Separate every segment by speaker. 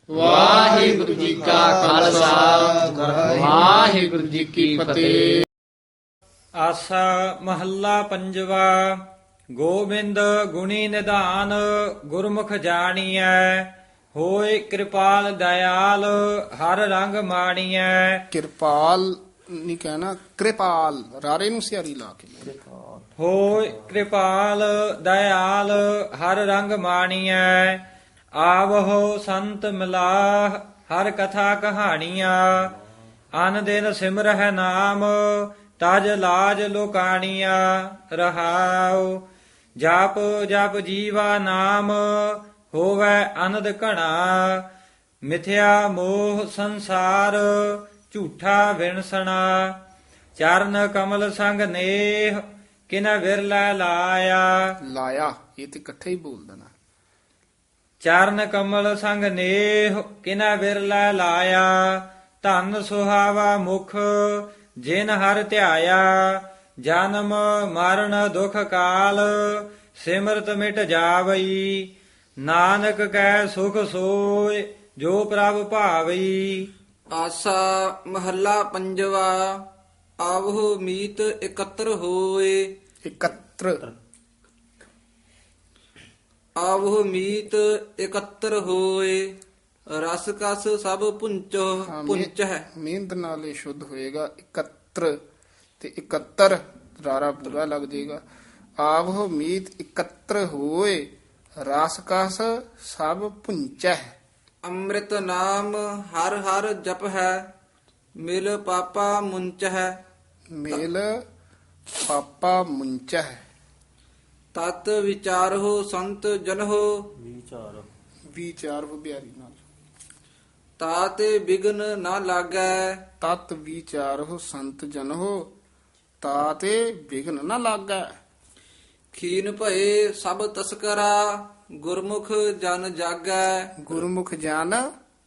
Speaker 1: ਵਾਹਿਗੁਰੂ ਜੀ ਕਾ ਖਾਲਸਾ ਵਾਹਿਗੁਰੂ ਜੀ ਕੀ ਫਤਿਹ।
Speaker 2: ਆਸਾ ਮਹੱਲਾ ਪੰਜਵਾ। ਗੋਬਿੰਦ ਗੁਣੀ ਨਿਧਾਨ ਗੁਰਮੁਖ ਜਾਣੀਐ, ਹੋਏ ਕਿਰਪਾਲ ਦਇਆਲ ਹਰ ਰੰਗ ਮਾਣੀਐ।
Speaker 3: ਕਿਰਪਾਲ ਨਹੀਂ ਕਹਿਣਾ, ਕਿਰਪਾਲ ਰਾਰੇ ਨੂੰ ਸਿਆਰੀ ਲਾ ਕੇ।
Speaker 2: ਹੋਏ ਕਿਰਪਾਲ ਦਇਆਲ ਹਰ ਰੰਗ ਮਾਣੀਐ, ਆਵਹੁ ਸੰਤ ਮਿਲਾਹ ਹਰ ਕਥਾ ਕਹਾਣੀਆਂ। ਅਨ ਦਿਨ ਸਿਮਰਹਿ ਨਾਮ ਤਜ ਲਾਜ ਲੋਕਾਣੀਆਂ। ਰਹਾਉ ਜਪ ਜਪ ਜੀਵਾ ਨਾਮ ਹੋਵੈ ਅਨੰਦ ਘਣਾ। ਮਿਥਿਆ ਮੋਹ ਸੰਸਾਰ ਝੂਠਾ ਵਿਣਸਣਾ। ਚਰਨ ਕਮਲ ਸੰਗ ਨੇਹ ਕਿਨ ਵਿਰਲਾ ਲਾਇਆ।
Speaker 3: ਲਾਇਆ ਇਹ ਤੇ ਇਕੱਠੇ ਹੀ ਬੋਲ ਦੇਣਾ।
Speaker 2: ਚਰਨ ਕਮਲ ਸੰਗ ਨੇਹ ਕਿਨ ਵਿਰਲਾ ਲਾਇਆ। ਧਨ ਸੁਹਾਵਾ ਮੁਖ ਜਿਨ ਹਰ ਧਿਆਇਆ। ਜਨਮ ਮਰਨ ਦੁਖ ਕਾਲ ਸਿਮਰਤ ਮਿਟ ਜਾਵਈ। ਨਾਨਕ ਕੈ ਸੁਖ ਸੋਇ ਜੋ ਪ੍ਰਭ ਭਾਵਈ।
Speaker 4: ਆਸਾ ਮਹੱਲਾ ਪੰਜਵਾ। ਆਵਹੁ ਮੀਤ ਇਕੱਤਰ ਹੋਏ।
Speaker 3: ਇਕੱਤਰ
Speaker 4: ਆਵਹੁ ਮੀਤ ਇਕੱਤਰ ਹੋਏ। ਰਸ ਕਸ ਸਭ ਪੁੰਚ ਹੈ।
Speaker 3: ਮਿਹਨਤ ਨਾਲ ਇਹ ਸ਼ੁੱਧ ਹੋਏਗਾ। ਇਕੱਤਰ ਤੇ ਇਕੱਤਰ ਰਾਰਾ ਪੂਰਾ ਲੱਗ ਜਾਏਗਾ। ਆਵਹੁ ਮੀਤ ਇਕੱਤਰ ਹੋਏ, ਰਸ ਕਸ ਸਭ ਪੁੰਚੈ।
Speaker 4: ਅੰਮ੍ਰਿਤ ਨਾਮ ਹਰ ਹਰ ਜਪ ਹੈ। ਮਿਲ ਪਾਪਾ ਮੁੰਚ ਹੈ।
Speaker 3: ਮੇਲ ਪਾਪਾ ਮੁੰਚੈ।
Speaker 4: ਤਤ ਵਿਚਾਰਹੁ ਸੰਤ ਜਨਹੁ।
Speaker 3: ਵਿਚਾਰ ਬਿਆਰੀ ਨਾਲ।
Speaker 4: ਤਾਤੇ ਬਿਗਨ ਨਾ ਲਾਗੈ।
Speaker 3: ਤਤ ਵਿਚਾਰਹੁ ਸੰਤ ਜਨਹੁ, ਤਾਤੇ ਵਿਘਨ ਨਾ ਲਾਗੈ।
Speaker 4: ਖੀਨ ਭਏ ਸਭ ਤਸਕਰਾ। ਗੁਰਮੁਖ ਜਨ ਜਾਗੈ।
Speaker 3: ਗੁਰਮੁਖ ਜਨ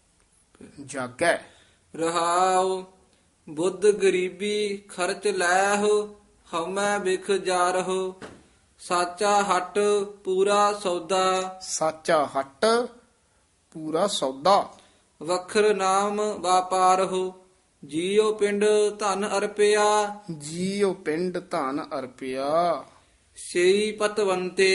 Speaker 3: ਜਾਗੈ।
Speaker 4: ਰਹਾਉ ਬੁੱਧ ਗਰੀਬੀ ਖਰਚ ਲੈਹੁ। ਹਉਮੈ ਬਿਖ ਜਾਰਹੁ। ਸਾਚਾ ਹਟ ਪੂਰਾ ਸੌਦਾ।
Speaker 3: ਸਾਚਾ ਹਟ ਪੂਰਾ ਸੌਦਾ।
Speaker 4: ਵਖਰ ਨਾਮ ਵਾਪਾਰਹੁ। ਜੀਉ ਪਿੰਡ ਧਨ ਅਰਪਿਆ।
Speaker 3: ਜੀਉ ਪਿੰਡ ਧਨ ਅਰਪਿਆ।
Speaker 4: ਸੇਈ ਪਤਵੰਤੇ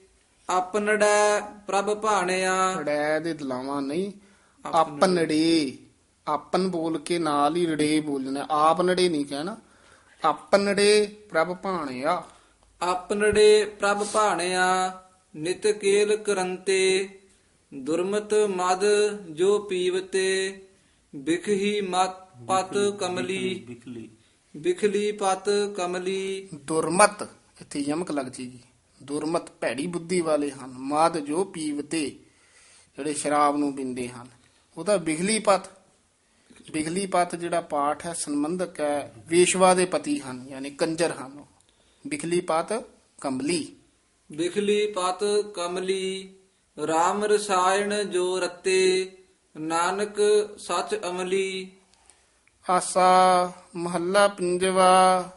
Speaker 4: ਆਪਨੜੈ ਪ੍ਰਭ ਭਾਣਿਆ।
Speaker 3: ਰੜੈ ਦੇ ਦਲਾਵਾਂ ਨਹੀਂ, ਆਪਨੜੇ। ਆਪਨ ਬੋਲ ਕੇ ਨਾਲ ਹੀ ਰੜੇ ਬੋਲਣਾ। ਆਪ ਨੜੇ ਨਹੀਂ ਕਹਿਣਾ। ਆਪਨੜੇ ਪ੍ਰਭ ਭਾਣਿਆ।
Speaker 4: ਆਪਨੜੇ ਪ੍ਰਭ ਭਾਣਿਆ। ਨਿਤ ਕੇਲ ਕਰੰਤੇ ਦੁਰਮਤ ਮਦ ਜੋ ਪੀਵਤੇ। ਬਿਖਹੀ ਮਤ ਪਤ ਕਮਲੀ। ਬਿਖਲੀ ਪਤ ਕਮਲੀ।
Speaker 3: ਦੁਰਮਤ ਇੱਥੇ ਯਮਕ ਲੱਗ ਜੇਗੀ। ਦੁਰਮਤ ਭੈੜੀ ਬੁੱਧੀ ਵਾਲੇ ਹਨ। ਮਾਦ ਜੋ ਪੀਵਤੇ ਜਿਹੜੇ ਸ਼ਰਾਬ ਨੂੰ ਪੀਂਦੇ ਹਨ। ਉਹਦਾ ਬਿਗਲੀ ਪਤ। ਬਿਗਲੀ ਪਤ ਜਿਹੜਾ ਪਾਠ ਹੈ ਸੰਬੰਧਕ ਹੈ ਵੇਸ਼ਵਾ ਦੇ ਪਤੀ ਹਨ, ਯਾਨੀ ਕੰਜਰ ਹਨ। ਬਿਖਲੀ ਪਤ ਕਮਲੀ।
Speaker 4: ਬਿਖਲੀ ਪਤ ਕਮਲੀ। RAM ਰਸਾਇਣ ਜੋ ਰਤੇ। ਨਾਨਕ ਸਚ ਅਮਲੀ।
Speaker 3: ਆਸਾ ਮਹੱਲਾ ਪੰਜਵਾ।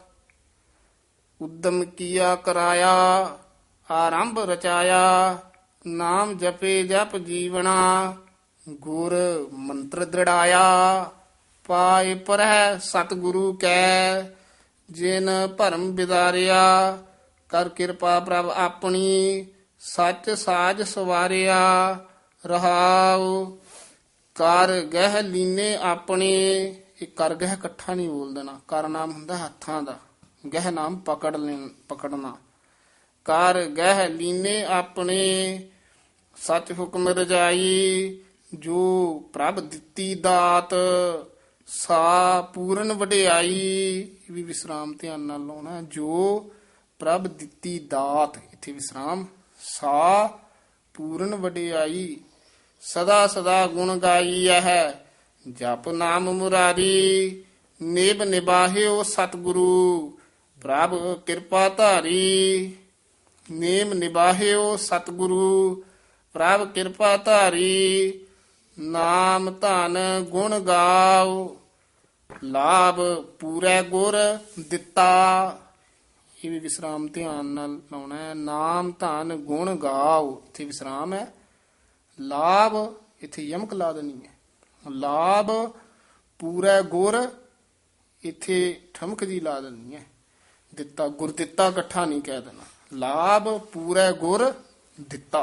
Speaker 3: ਉਦਮ ਕੀਆ ਕਰਾਇਆ, ਆਰੰਭ ਰਚਾਇਆ। ਨਾਮ ਜਪੇ ਜਪ ਜੀਵਣਾ, ਗੁਰ ਮੰਤਰ ਦ੍ਰਿੜਾਇਆ। ਪਾਏ ਪਰਹਿ ਸਤਿਗੁਰੂ ਕੈ, ਜਿਨ ਭਰਮ ਵਿਦਾਰਿਆ। ਕਰ ਕਿਰਪਾ ਪ੍ਰਭ ਆਪਣੀ, ਸੱਚ ਸਾਜ ਸਵਾਰਿਆ। ਰਹਾਉ ਕਰ ਗਹਿ ਲੀਨੇ ਆਪਣੇ। ਇਹ ਕਰ ਗਹਿ ਇਕੱਠਾ ਨਹੀਂ ਬੋਲ ਦੇਣਾ। ਕਰ ਨਾਮ ਹੁੰਦਾ ਹੱਥਾਂ ਦਾ, ਗਹਿ ਨਾਮ ਪਕੜਨਾ। ਕਰ ਗਹਿ ਲੀਨੇ ਆਪਣੇ, ਸੱਚ ਹੁਕਮ ਰਜਾਈ। ਜੋ ਪ੍ਰਭ ਦਿੱਤੀ ਦਾਤ, ਸਾ ਪੂਰਨ ਵਡਿਆਈ। ਇਹ ਵੀ ਵਿਸਰਾਮ ਧਿਆਨ ਨਾਲ ਲਾਉਣਾ। ਜੋ ਪ੍ਰਭ ਦਿੱਤੀ ਦਾਤ, ਇੱਥੇ ਵਿਸਰਾਮ। ਸਾ ਪੂਰਨ ਵਡਿਆਈ। ਸਦਾ ਸਦਾ ਗੁਣ ਗਾਈਐ ਹੈ, ਜਪ ਨਾਮ ਮੁਰਾਰੀ। ਨਿਭ ਨਿਬਾਹਿਓ ਸਤਿਗੁਰੂ, ਪ੍ਰਭ ਕਿਰਪਾ ਧਾਰੀ। ਨੇਮ ਨਿਬਾਹਿਓ ਸਤਿਗੁਰੂ, ਪ੍ਰਭ ਕਿਰਪਾ ਧਾਰੀ। ਨਾਮ ਧਨ ਗੁਣ ਗਾਓ, ਲਾਭ ਪੂਰੇ ਗੁਰ ਦਿੱਤਾ। ਇਹ ਵੀ ਵਿਸਰਾਮ ਧਿਆਨ ਨਾਲ ਲਾਉਣਾ ਹੈ। ਨਾਮ ਧਨ ਗੁਣ ਗਾਓ, ਇੱਥੇ ਵਿਸਰਾਮ ਹੈ। ਲਾਭ ਇੱਥੇ ਯਮਕ ਲਾ ਦੇਣੀ ਹੈ। ਲਾਭ ਪੂਰਾ ਗੁਰ, ਇੱਥੇ ਠਮਕ ਜੀ ਲਾ ਦੇਣੀ ਹੈ। ਦਿੱਤਾ ਗੁਰ ਦਿੱਤਾ ਇਕੱਠਾ ਨਹੀਂ ਕਹਿ ਦੇਣਾ। ਲਾਭ ਪੂਰਾ ਗੁਰ ਦਿੱਤਾ।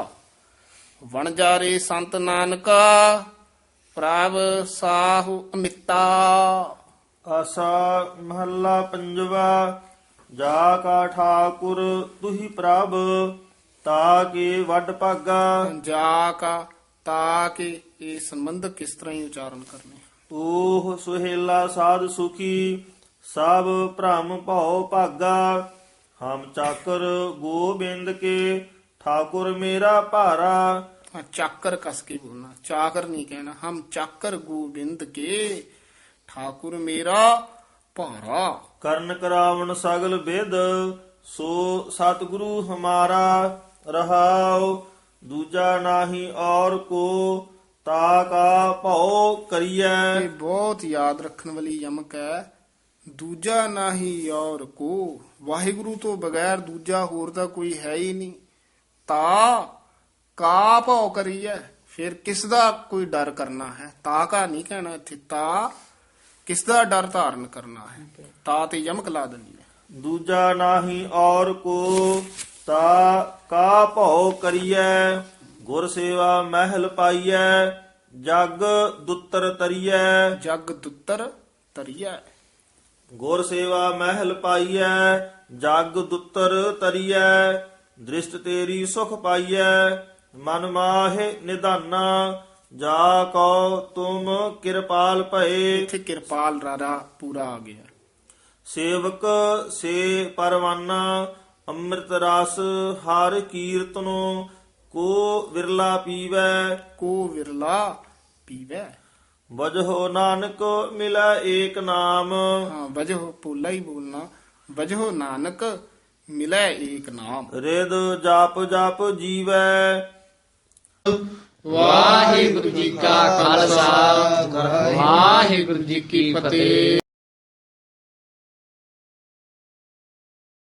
Speaker 3: ਵਣਜਾਰੇ ਸੰਤ ਨਾਨਕਾ ਪ੍ਰਭ ਸਾਹੁ ਅਮਿਤਾ।
Speaker 5: ਆਸਾ ਮਹੱਲਾ ਪੰਜਵਾ। ਜਾ ਕਾ ਠਾਕੁਰ ਤੁਹੀ ਪ੍ਰਭ, ਤਾ ਕੇ ਵੱਡ ਭਾਗਾ।
Speaker 3: ਜਾ ਕਾ ਤਾ ਕੇ ਇਹ ਸੰਬੰਧਕ ਕਿਸ ਤਰ੍ਹਾਂ ਹੀ ਉਚਾਰਨ ਕਰਨੇ।
Speaker 5: ਓਹ ਸੁਹੇਲਾ ਸਾਧ ਸੁਖੀ, ਸਭ ਭ੍ਰਮ ਭਉ ਭਾਗਾ। ਹਮ ਚਾਕਰ ਗੋਬਿੰਦ ਕੇ, ਠਾਕੁਰ ਮੇਰਾ ਭਾਰਾ।
Speaker 3: ਚਾਕਰ ਕਸ ਕੇ ਬੋਲਣਾ, ਚਾਕਰ ਨਹੀਂ ਕਹਿਣਾ। ਹਮ ਚਾਕਰ ਗੋਬਿੰਦ ਕੇ, ਠਾਕੁਰ ਮੇਰਾ ਭਾਰਾ।
Speaker 5: ਕਰਨ ਕਰਾਵਣ ਸਗਲ ਵਿਦ, ਸੋ ਸਤਿਗੁਰੂ ਹਮਾਰਾ। ਰਹਾਉ ਦੂਜਾ ਨਾਹੀ ਔਰ ਕੋ, ਤਾ ਕਾ ਭਉ ਕਰੀਐ।
Speaker 3: ਇਹ ਬਹੁਤ ਯਾਦ ਰੱਖਣ ਵਾਲੀ ਯਮਕ ਹੈ। ਦੂਜਾ ਨਾਹੀ ਔਰ ਕੋ, ਵਾਹਿਗੁਰੂ ਤੋਂ ਬਗੈਰ ਦੂਜਾ ਹੋਰ ਤਾਂ ਕੋਈ ਹੈ ਹੀ ਨਹੀਂ। ਤਾ ਕਾ ਭਉ ਕਰੀਐ, ਫਿਰ ਕਿਸ ਦਾ ਕੋਈ ਡਰ ਕਰਨਾ ਹੈ। ਤਾ ਕਾ ਨਹੀਂ ਕਹਿਣਾ ਇੱਥੇ, ਤਾ ਕਿਸ ਦਾ ਡਰ ਧਾਰਨ ਕਰਨਾ ਹੈ। ਤਾ ਤੇ ਯਮਕ ਲਾ ਦੇਣੀ ਹੈ।
Speaker 5: ਦੂਜਾ ਨਾਹੀ ਔਰ ਕੋ, ਤਾ ਕਾ ਭਉ ਕਰੀਐ। ਗੁਰ ਸੇਵਾ ਮਹਿਲ ਪਾਈਐ, ਜਗ ਦੁੱਤਰ ਤਰੀਐ।
Speaker 3: ਜਗ ਦੁੱਤਰ ਤਰੀਐ।
Speaker 5: ਗੁਰ ਸੇਵਾ ਮਹਿਲ ਪਾਈਐ, ਜਗ ਦੁੱਤਰ ਤਰੀਐ। ਦ੍ਰਿਸ਼ਟ ਤੇਰੀ ਸੁਖ ਪਾਈਐ, ਮਨ ਮਾਹਿ ਨਿਧਾਨਾ। ਜਾ ਕਉ ਤੁਮ ਕਿਰਪਾਲ ਭਏ।
Speaker 3: ਇੱਥੇ ਕਿਰਪਾਲ ਰਾਰਾ ਪੂਰਾ ਆ ਗਿਆ।
Speaker 5: ਸੇਵਕ ਸੇ ਪਰਵਾਨਾ, ਅੰਮ੍ਰਿਤ ਰਸ ਹਰ ਕੀਰਤਨੋ। ਕੋ ਵਿਰਲਾ ਪੀਵੈ,
Speaker 3: ਕੋ ਵਿਰਲਾ ਪੀਵੈ।
Speaker 5: ਵਜਹੁ ਨਾਨਕ ਮਿਲੈ ਏਕ ਨਾਮ।
Speaker 3: ਹਾਂ, ਵਜਹ ਪੋਲਾ ਹੀ ਬੋਲਣਾ। ਵਜਹ ਨਾਨਕ ਮਿਲੈ ਏਕ ਨਾਮ।
Speaker 5: ਰਿਦ ਜਪ ਜਪ ਜੀਵੈ।
Speaker 1: ਵਾਹਿਗੁਰੂ ਜੀ ਕਾ ਖਾਲਸਾ ਵਾਹਿਗੁਰੂ ਜੀ ਕੀ ਫਤਿਹ।